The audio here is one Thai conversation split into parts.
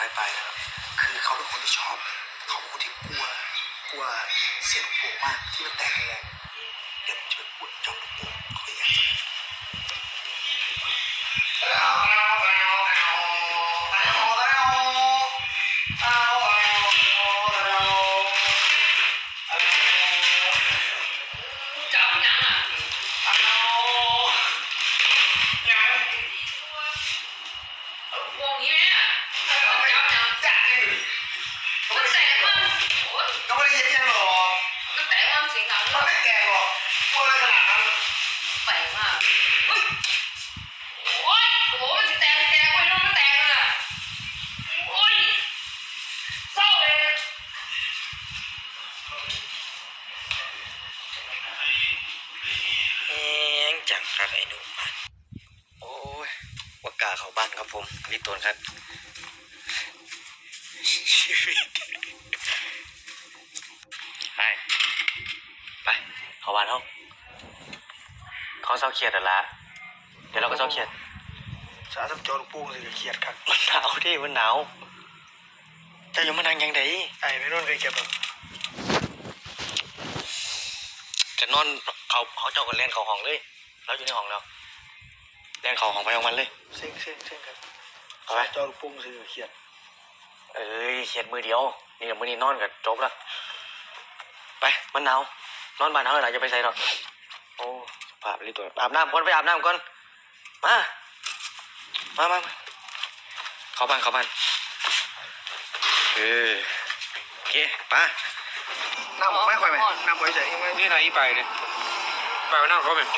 ไปนะครับคือเขาเป็นคนที่ชอบเขาเป็นคนที่กลัวเสียงลูกโป่งมากที่มันแตกแรงเดี๋ยวผมจะไปปวดจ้องลูกโป่งเขาอยากจะจังครับไอ้หนุ่มโอ้ยว่ากาเข้าบ้านครับผมนี่ตัวครับชีวิตไปเข้าบ้านเขาเศร้าเครียดละเดี๋ยวเราก็เศร้าเครียดสาธุโจรปูสิเครียดครับมันหนาวที่มันหนาวจะอยู่มานั่งยังไงไอ้ไม่นอนเคยเก็บหรอจะนอนเขาเจ้ากันเล่นเขาห้องเลยแล้วอยู่ในห้องแล้วเล่นเขาห้องไปของมันเลยเซ็งครับเอาไปเจ้าปุ้งสิเครียดเครียดมือเดียวนี่กับมือนี้นอนกับจบละไปมันหนาวนอนบ้านเขาอะไรจะไปใส่หรอกโอ้ภาพรีตัวอาบน้ำก่อนไปอาบน้ำก่อนมาเข้าบ้านโอเคไปน้ำไม่ค่อยไหมน้ำค่อยใส่นี่ไหนไปเนี่ยไปว่านั่งเขาเป็น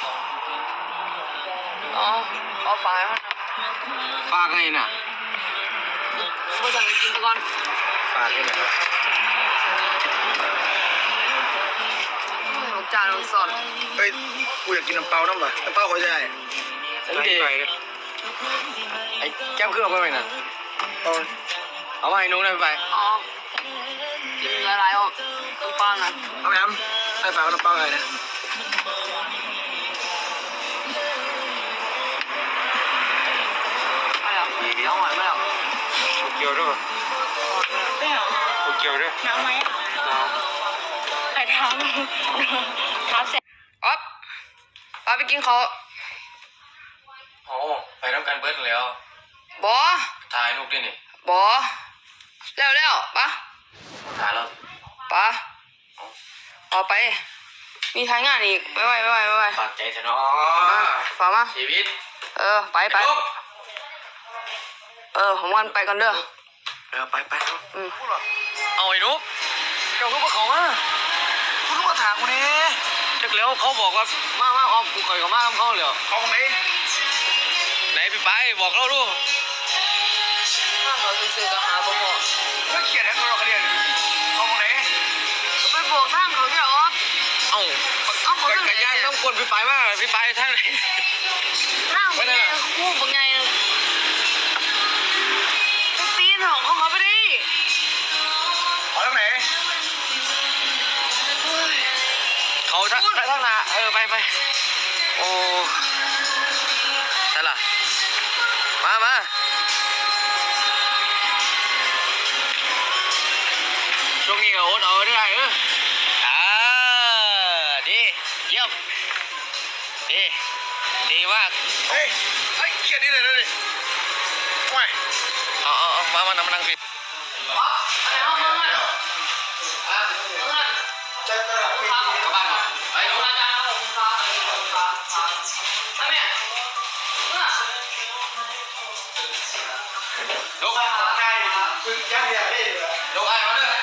อ๋อขอฝากมันนะฝากไงน่ะไม่ต้องกินก่อนฝากให้หน่อยครับลูกจานลูกสดเฮ้ยกูอยากกินน้ำเปล่าน้ำเปล่าค่อยใส่นี่ไปเลยไอ้แก้มเครื่องไปไหมน่ะเอามาให้นุ้งได้ไปอ๋อกินอะไรออกน้ำปลานะเอาไปทำให้ฝากน้ำเปล่าอะไรเนี่ยไม่เอาน้องหวานไม่เอาเกี่ยวด้วยไม่เอาเกี่ยวด้วยน้ำไหมใครทำเสร็จอ๊อฟป้าไปกินเขาโอ้ไปทำการเบิร์ดแล้วบอถ่ายรูปดินี่บอแล้วปะถ่ายแล้วปะออกไปมีทายงานอีกไม่ไหวฝากใจเถอะเนาะฝากมาชีวิตไปผมวันไปกันเด้อไปเอาไอ้นุ๊กเจ้าเขาบอกเขาว่าคุณต้องมาถามกูนี่จักแล้วเขาบอกว่ามาออมกูข่อยกับมาเขาเลยเขาตรงไหนพี่ไปบอกเราดูถ้าเขาซื้อก็หาบ่พอไม่เขียนให้เราเรียนเขาตรงไหนไปบอกทางเขาเนี่ยอ๋อเอากระยานต้องกวนพี่ไปว่าพี่ไปทางไหนทางเป็นไงคู่เป็นไงไปปีนของเขาไปดิเขาตรงไหนเขาทางหน้าไปโอ้ใช่ล่ะมาช่วงนี้ก็อดเอาได้ดีเยี่ยมดีมากเฮ้ยเขียนนี่เลยดิไม่มานั่งผิดลูกยังเรียนได้ลูกไอ้มาเลย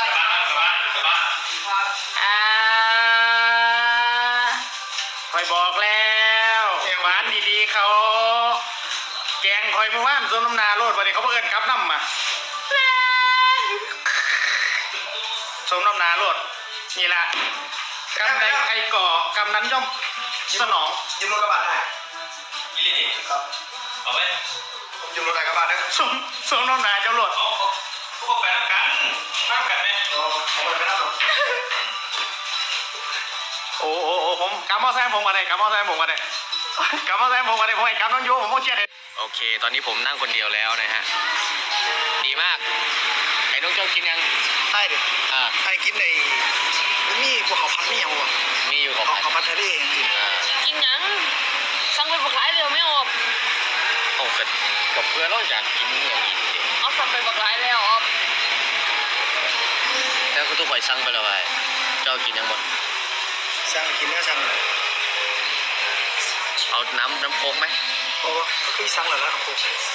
คอยบอกแล้วหวานดีๆเขาแกงคอยมือว่านส้มน้ำนาโลดวันนี้เขาเพิ่งกลับน้ำมาส้มน้ำนาโลดนี่แหละกำใดใครก่อกำนั้นย่อมสนองยืมรถกระบะได้ยี่นี่ครับเอาไว้ยืมรถกระบะได้ส้มน้ำนาเจ้าโลดพวกแฟนกันไหมเอาไปนั่งโอ้ผมกำมอแซมผมมาได้ผมให้กำน้องโยผมโมเชียดเลยโอเคตอนนี้ผมนั่งคนเดียวแล้วนะฮะดีมากไอ้น้องเจ้ากินยังใช่ดิ ไอ้กินในมีพวกเขาพันไม่ยังวะมีอยู่ของเขาพันทะเลอย่างนี้กินหยังสั่งไปบักหลายเร็วไม่ออกโอ้กับเพื่อนเราอยากกินอย่างนี้เอาสั่งไปบักหลายแล้วออกแล้วก็ทุกคนสั่งไปแล้วไอ้เจ้ากินยังหมดสั่งกินเนื้อสั่งเอาน้ำโค้กไหมโอ้คือสั่งแล้วครับผม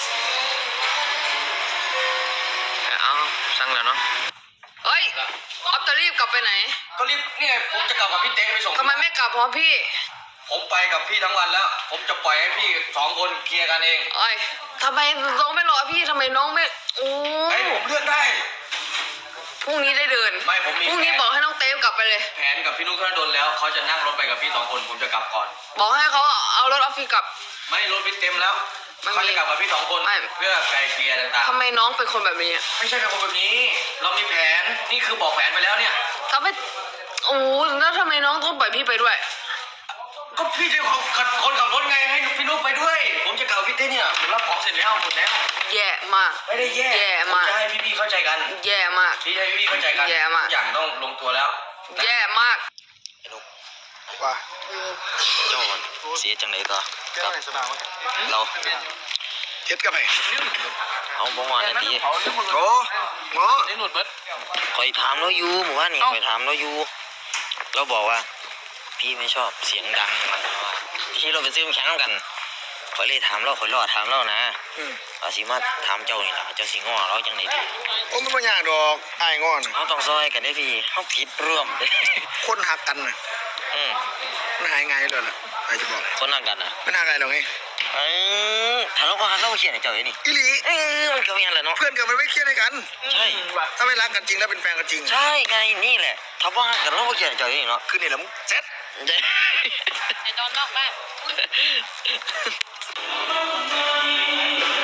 เอาสั่งแล้วเนาะเฮ้ยออฟจะรีบกลับไปไหนก็รีบเนี่ยผมจะกลับกับพี่เต้ไปส่งทำไมไม่กลับเพราะพี่ผมไปกับพี่ทั้งวันแล้ว ผมจะปล่อยให้พี่2 คนเคลียร์กันเองเอ้ยทำไมน้องไม่รอพี่ทำไมน้องไม่โอ้ไอ้ผมเลือกได้พรุ่งนี้ได้เดินไม่ผมมีพรุ่งนี้บอกให้น้องเต้กลับไปเลยแผนกับพี่นุ๊กธนดลแล้วเขาจะนั่งรถไปกับพี่2 คนผมจะกลับก่อนบอกให้เขาเอารถออฟฟิศกลับไม่รถฟิตเต็มแล้วมันมีเขาจะกลับกับพี่2 คนไม่เพื่อไกลเกลี่ยต่างทำไมน้องเป็นคนแบบนี้ๆไม่ใช่เป็นคนแบบนี้ เรามีแผนนี่คือบอกแผนไปแล้วเนี่ยทำไมโอ้แล้วทำไมน้องต้องปล่อยพี่ไปด้วยก็พี่จะคนขับรถไงให้พี่นุ๊กไปด้วย ผมจะกลับกับพี่เต้เนี่ยผมรับของเสร็จแล้วหมดแล้วแย่มากไม่ได้แย่แย่ผมมากจะให้พี่ๆเข้าใจกันแย่มากพี่ให้พี่ๆเข้าใจกันแย่มากทุกอย่างต้องลงตัวแล้วแย่มากว่าเจ้าเสียจังไหนต่อแก้วในสนามเราเท็ดกับไปเอาบ่มานาทีโอ้หมอคอยถามเราอยู่หมู่บ้านนี่คอยถามเราอยู่เราบอกว่า พี่ไม่ชอบเสียงดังที่เราไปซื้อน้ำแข็งกันคอยเลยถามเราคอยรอถามเรานะว่าสิมาถามเจ้านี่ล่ะเจ้าสิง้อเราจังไหนดีโอ้ไม่เป็นอย่างดอกไอ้งอนเขาต้องซอยกันได้พี่เขาผิดร่วมเด้คนหักกันน่ะอืมมันหายไงเลยล่ะไอ้จะบอกคนนั่งกันอ่ะมันหายไงหรอกไงถ้าเราก็หาเราเขียนให้เจ้าอย่างนี้อีหลีมันก็มีอะไรเนาะเพื่อนกันมันไม่เครียดให้กันใช่ถ้าไม่รักกันจริงแล้วเป็นแฟนกันจริงใช่ไงนี่แหละถ้าว่ากันเราก็เขียนให้เจ้าอย่างนี้เนาะคือนี่แหละมึงเซ็ตใช่ไอ้ตอนนอกบ้าน